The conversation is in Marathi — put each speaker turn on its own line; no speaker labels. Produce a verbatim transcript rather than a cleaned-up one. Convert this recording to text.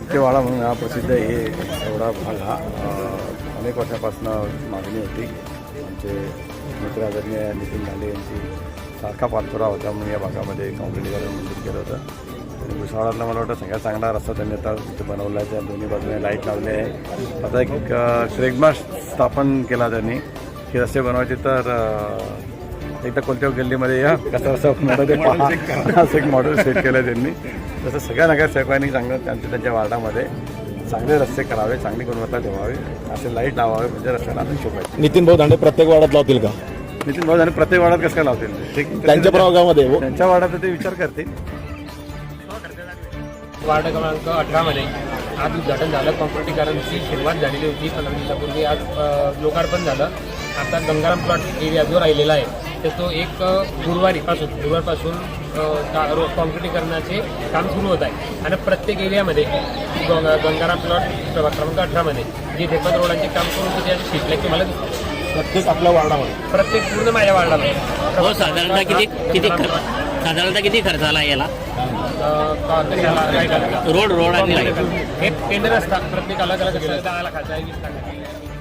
इटकेवाडा म्हणून हा प्रसिद्ध आहे. एवढा भाग हा अनेक वर्षापासून मागणी होती. आमचे मित्र आदरणीय नितीन लांडे यांची सारखा पाठपुरावा होता म्हणून या भागामध्ये काँक्रिटीकरण मंजूर केलं होतं. आणि भुसावळातला मला वाटतं सगळ्यात चांगला रस्ता त्यांनी आता इथे बनवला आहे. त्या दोन्ही बाजूने लाईट लावले आहे. आता एक ट्रेडमार्क स्थापन केला त्यांनी की रस्ते बनवायचे तर एकदा कोणत्या गल्लीमध्ये या कसा रस्ता बनवते पहा असं एक मॉडेल सेट केलं आहे त्यांनी. तसं सगळ्या नगरसेवकांनी चांगलं त्यांच्या त्यांच्या वार्डामध्ये चांगले रस्ते करावे, चांगली गुणवत्ता ठेवावी, असे लाईट लावावे म्हणजे रस्त्याला आपण शोभायचं.
नितीन भाऊ दांडे प्रत्येक वार्डात लावतील का?
नितीन भाऊ आणि प्रत्येक वार्डात कसं काय लावतील ते
त्यांच्या प्रभागामध्ये
त्यांच्या वार्डात ते विचार करतील.
वार्ड क्रमांक अठरामध्ये आज उद्घाटन झालं. कॉन्क्रिटीकरणची सुरुवात झालेली होती पंधरा दिवसापूर्वी. आज लोकार्पण झालं. आता गंगाराम प्लॉट एरिया जो राहिलेला आहे तर तो एक गुरुवारीपासून गुरुवारपासून कॉन्क्रिटीकरणाचे काम सुरू होत आहे. आणि प्रत्येक एरियामध्ये गंगाराम प्लॉट क्रमांक अठरामध्ये जे ढेपत रोडांचे काम करून होते त्याचे शिटले तुम्हाला दिसते
प्रत्येक आपल्या वार्डामध्ये,
प्रत्येक पूर्ण माझ्या वार्डामध्ये.
हो, साधारणतः किती किती साधारणतः किती खर्च आला याला?
काय
रोड रोड आणि लाईट
हे टेंडर असतात प्रत्येक अलग अलग दहा लाखाचा वीस लाखाचा